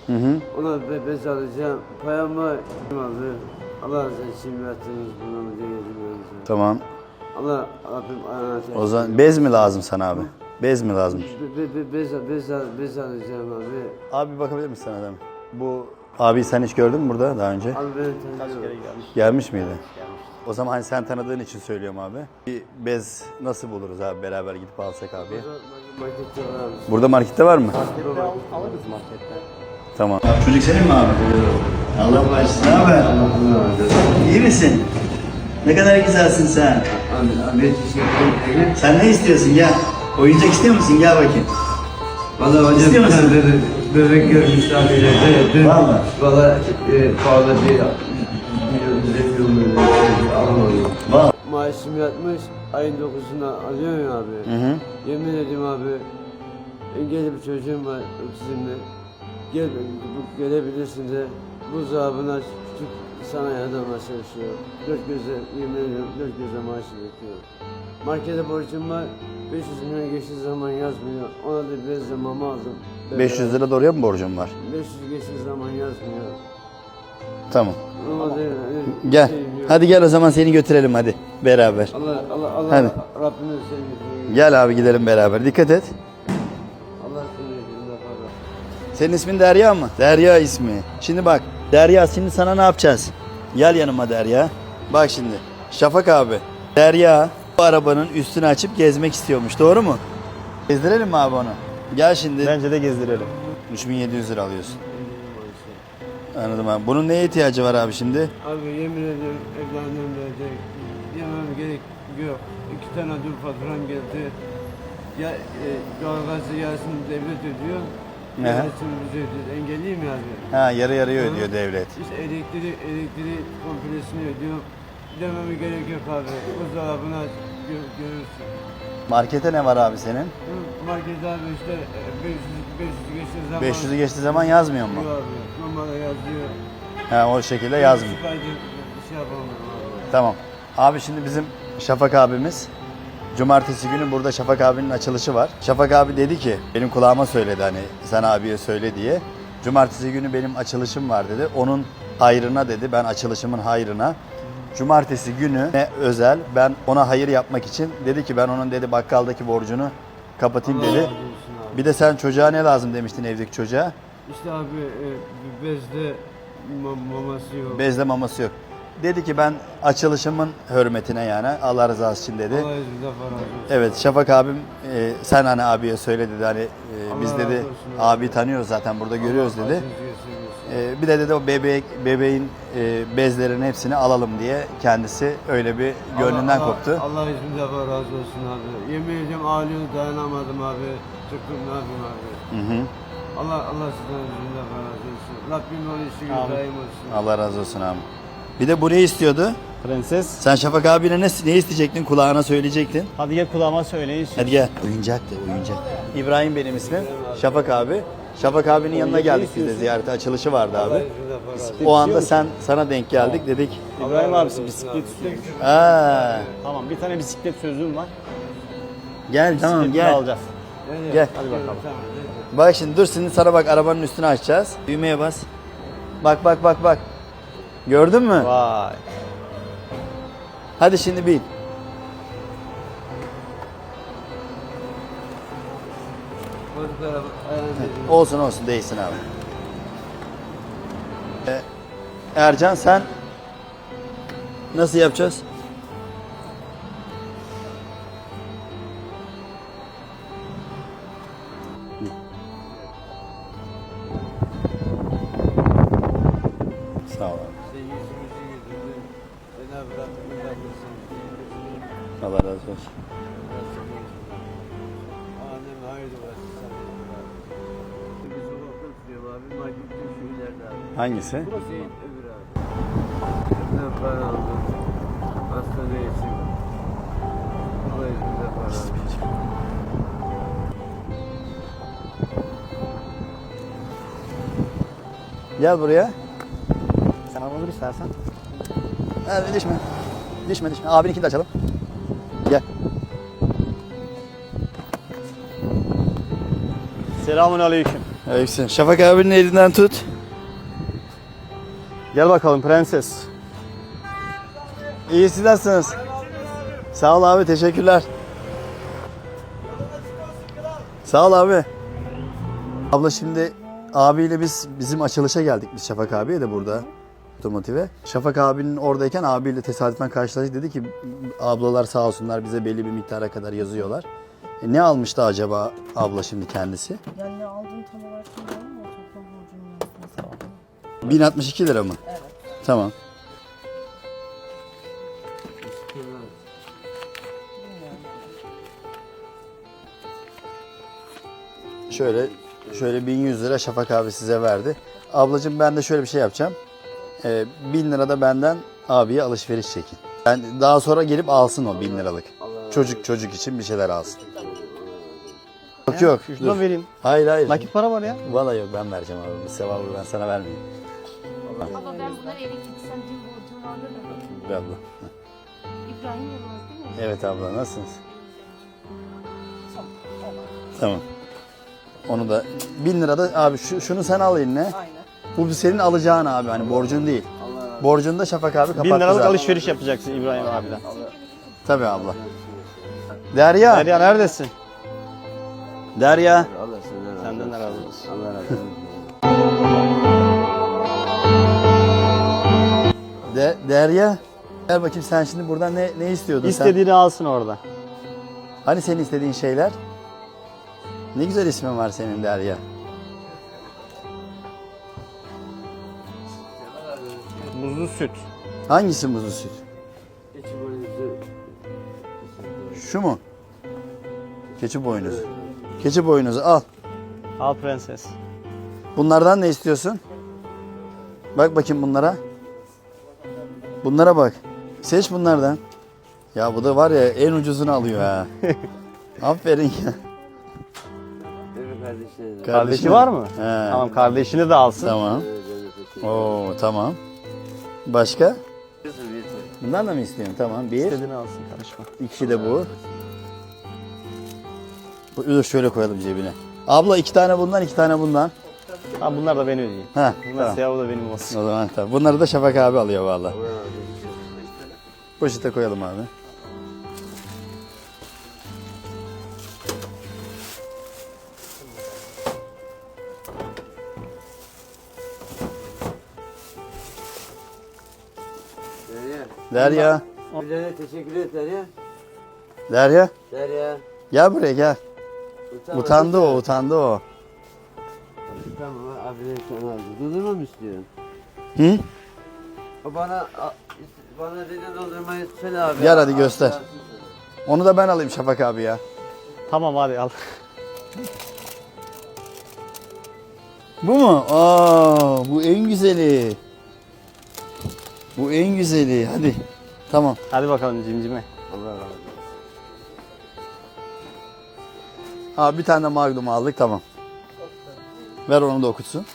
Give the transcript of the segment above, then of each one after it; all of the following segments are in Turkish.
Ona bez alacağım. Payamı abi. Allah razı olsun verdiniz bunu diyeceğim. Tamam. Allah Rabbim ayağına. O zaman bez mi lazım sana abi? Bez mi lazım? Bez alacağım abi. Abi bakabilir misin sana adam? Bu abi sen hiç gördün mü burada daha önce? Abi ben tanıyorum. Gelmiş miydi? O zaman hani sen tanıdığın için söylüyorum abi. Bir bez nasıl buluruz abi beraber gidip alsak abi? Markette var abi. Burada markette var mı? Alırız marketten. Tamam. Çocuk senin mi abi? Allah başlasın. Ne haber? İyi misin? Ne kadar güzelsin sen. Abi teşekkür ederim. Sen ne istiyorsun gel. Oyuncak istiyor musun? Gel bakayım. Valla hocam İstiyor bir tane musun? bebek görmüş abilerde. Vallahi. Valla pahalı bir almadım. Vallahi. Maaşım yatmış, ayın 9'unda alıyorum ya abi. Yemin ediyorum abi, engelli bir çocuğum var otizmle. Gelebilirsin de buzdolabına küçük sana yardımla çalışıyor. Dört göze, yemin ediyorum dört göze maaşı bekliyor. Markete borcum var, 500 milyon geçtiği zaman yazmıyor. Ona da bezle mama aldım. 500 lira doğruya mı borcum var? 500 geçtiği zaman yazmıyor. Tamam. Ona da, Gel. şey yok. Hadi gel o zaman seni götürelim hadi. Beraber. Allah Hadi. Rabbimiz sevgisi. Gel abi gidelim beraber. Dikkat et. Allah seni yüzünde fazla. Senin ismin Derya mı? Derya ismi. Şimdi bak. Derya şimdi sana ne yapacağız? Gel yanıma Derya. Bak şimdi. Şafak abi. Derya bu arabanın üstünü açıp gezmek istiyormuş. Doğru mu? Gezdirelim mi abi onu? Gel şimdi. Bence de gezdirelim. 3700 lira alıyorsun. Anladım abi. Bunun neye ihtiyacı var abi şimdi? Abi yemin ediyorum evlendim diyecek. Yemem gerek yok. 2 tane dur faturam geldi. Ya doğalgazı yarısını devlet ödüyor. Ne? Yarısını biz ödüyoruz. Engelliyim ya abi. Ha yarı yarıya ödüyor devlet. İşte elektriği kompresini ödüyor. Dememe gerek yok abi. Buzdolabını aç görürsün. Markete ne var abi senin? Market abi işte 500 geçtiği zaman. 500'ü geçtiği zaman yazmıyor mu? Yok abi. Normalde yazıyor. Ha o şekilde yazmıyor. Süperce bir şey yapamam abi. Tamam. Abi şimdi bizim Şafak abimiz cumartesi günü burada Şafak abinin açılışı var. Şafak abi dedi ki benim kulağıma söyledi hani sen abiye söyle diye. Cumartesi günü benim açılışım var dedi. Onun hayrına dedi. Ben açılışımın hayrına. Cumartesi günü ne özel ben ona hayır yapmak için dedi ki ben onun dedi bakkaldaki borcunu kapatayım Allah dedi. razı olsun abi. Bir de sen çocuğa ne lazım demiştin evdeki çocuğa? İşte abi bezde maması yok. Bezle maması yok. Dedi ki ben açılışımın hürmetine yani Allah rızası için dedi. Allah izniyle para olsun. Evet Şafak abim sen hani abiye söyle dedi hani biz Allah dedi razı olsun abi. abi tanıyoruz zaten burada görüyoruz Allah dedi. başınızı göstermesin. Bir de dedi o bebeğin bezlerin hepsini alalım diye kendisi öyle bir gönlünden koptu. Allah izniyle para razı olsun abi. Yemin ediyorum ağlıyorum dayanamadım abi. Çıktım ne yapayım abi. Hı hı. Allah sizden izniyle para razı olsun. Rabbim onun işi daim olsun. Allah razı olsun abi. Bir de bu ne istiyordu? Prenses. Sen Şafak abine ne isteyecektin? Kulağına söyleyecektin. Hadi gel kulağıma söyleyin. Hadi gel. Oyuncak de oyuncak. İbrahim benim ismim. Şafak abi. Şafak abinin yanına geldik biz de ziyarete açılışı vardı Allah abi. izniyle para razı olsun. O anda sana denk geldik dedik. İbrahim abisi bisiklet istiyor. Aa, Tamam bir tane bisiklet sözüm var. gel tamam Bisikleti gel. alacağız. Gel. Hadi bakalım. Tamam. Bak şimdi dur şimdi sana bak arabanın üstünü açacağız. Düğmeye bas. Bak. Gördün mü? Vay. Hadi şimdi bin. Çocuklara ayağınızı Olsun değilsin abi. Ercan sen nasıl yapacağız? Sağ ol abi. işte yüzümüzü güldürdün. Cenab-ı Rabbim vermesin. Allah razı olsun. Anem hayırlı olsun sana. Bir sokakta oturuyorum abi. Marketin şu ileride abi. Hangisi? Hüseyin öbür abi. Ne para aldım. Hastane için. Allah izniyle para aldım. Gel buraya. Sen alır istersen. Hadi düşme. Abininkini de açalım. Gel. Selamun aleyküm. Aleykümselam. Şafak abinin elinden tut. Gel bakalım prenses. İyi, siz nasılsınız? Sağ ol abi, teşekkürler. Sağ ol abi. Abla şimdi abiyle bizim açılışa geldik biz Şafak abiye de burada otomotive. Şafak abinin oradayken abiyle tesadüfen karşılaştık, dedi ki ablalar sağ olsunlar bize belli bir miktara kadar yazıyorlar. Ne almıştı acaba abla şimdi kendisi? Yani ne aldığını tam olarak bilmiyorum ama toplam borcunu yazdım. 1062 lira mı? Evet. Tamam. Bilmiyorum. Şöyle 1100 lira Şafak abi size verdi. Ablacığım ben de şöyle bir şey yapacağım. 1000 lira da benden abiye alışveriş çekin. Yani daha sonra gelip alsın o 1000 liralık. Çocuk için bir şeyler alsın. Yok. Şuradan Dur. vereyim. Hayır. Nakit para var ya. Vallahi yok, ben vereceğim abi. Bu sevabı ben sana vermeyeyim. Baba ben bunları eve gitsem dün borcum vardı da. Ver abla. İbrahim Yılmaz değil mi? Evet abla, nasılsınız? Tamam. Onu da 1000 lira da abi şunu sen al eline. Aynen. Bu senin alacağın abi, hani borcun değil. Borcunu da Şafak abi kapattı 1000 liralık zaten. alışveriş yapacaksın İbrahim abiden. Tabii abla. Derya. Derya neredesin? Derya. Allah senden razı Senden de olsun. razı olsun. Allah razı olsun. Derya. Gel bakayım, sen şimdi buradan ne istiyordun sen? İstediğini alsın orada. Hani senin istediğin şeyler? Ne güzel ismin var senin Derya. Muzlu süt. Hangisi muzlu süt? Keçi boynuzu. Şu mu? Keçi boynuzu. Keçi boynuzu al. Al prenses. Bunlardan ne istiyorsun? Bak bakayım bunlara. Bunlara bak. Seç bunlardan. Ya bu da var ya, en ucuzunu alıyor ha. Aferin ya. Benim kardeşlerim. Kardeşi var mı? He. Tamam, kardeşini de alsın. Tamam. Oo tamam. Başka? Bundan da mı istiyorsun? Tamam. Bir. İstediğini alsın, karışma. İki de bu. Dur şöyle koyalım cebine. Abla 2 tane bundan, 2 tane bundan. Tamam, bunlar da ben ödeyeyim. Ha, Bunlar tamam. siyahı da benim olsun. O zaman tamam. Bunları da Şafak abi alıyor valla. Poşete koyalım abi. Derya. Derya. Birilerine teşekkür et Derya. Derya. Derya. Gel buraya gel. Utanma, Utandı lütfen. o, utandı o. Tamam abi sana aldı. Dondurma mı istiyorsun? Hı? O bana dedi dondurmayı söyle abi. Gel hadi göster. Onu da ben alayım Şafak abi ya. Tamam, hadi al. Bu mu? Aa, bu en güzeli. Bu en güzeli. Hadi. Tamam. Hadi bakalım cimcime. Allah razı olsun. Abi bir tane de Magnum aldık, tamam. Ver onu da okutsun.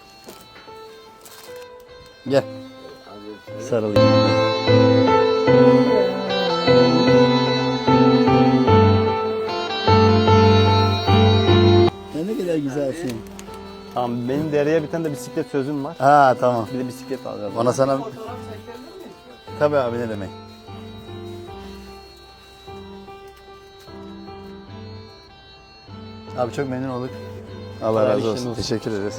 Gel. Hadi. Sarılayım. Ya ne kadar güzelsin. Tamam, benim Derya'ya bir tane de bisiklet sözüm var. Ha tamam. Bir de bisiklet alacağız. Ona sana... Tabii abi, ne demek. Abi çok memnun olduk. Allah Hayırlı razı işler olsun. olsun. Teşekkür ederiz.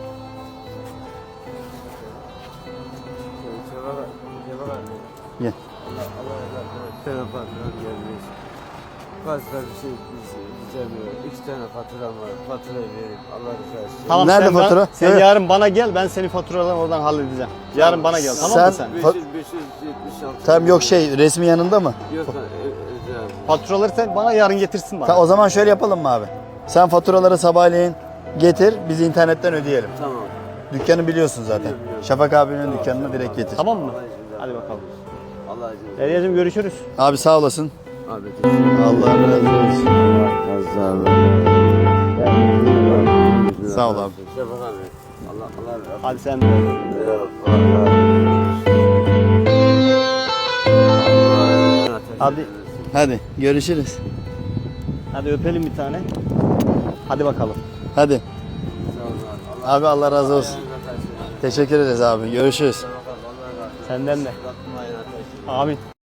Gel. Bir tane faturam gelmiş. Fazla bir şey istemiyor. 2 tane faturam var. Faturayı verip Allah rızası için. Tamam, Nerede sen fatura? Sen Evet. yarın bana gel, ben senin faturalarını oradan halledeceğim. Yarın bana gel, tamam mı sen? 576. Tamam, yok resmi yanında mı? Yok abi. Faturaları sen bana yarın getirsin bana. O zaman şöyle yapalım mı abi? Sen faturaları sabahleyin getir, biz internetten ödeyelim. Tamam. Dükkanı biliyorsun zaten. Biliyorum. Şafak abinin dükkanına direkt getir. Tamam mı? Hadi bakalım. Allah acı. Derya'cığım görüşürüz. Abi sağ olasın. Abi teşekkür ederim. Allah razı olsun. Sağ ol. Sağ ol abi. Şafak abi. Allah razı olsun. Hadi sen. Hadi. Hadi görüşürüz. Hadi öpelim bir tane. Hadi bakalım. Hadi. Sağ ol. Abi Allah razı olsun. Teşekkür ederiz abi. Görüşürüz. Senden de. Amin.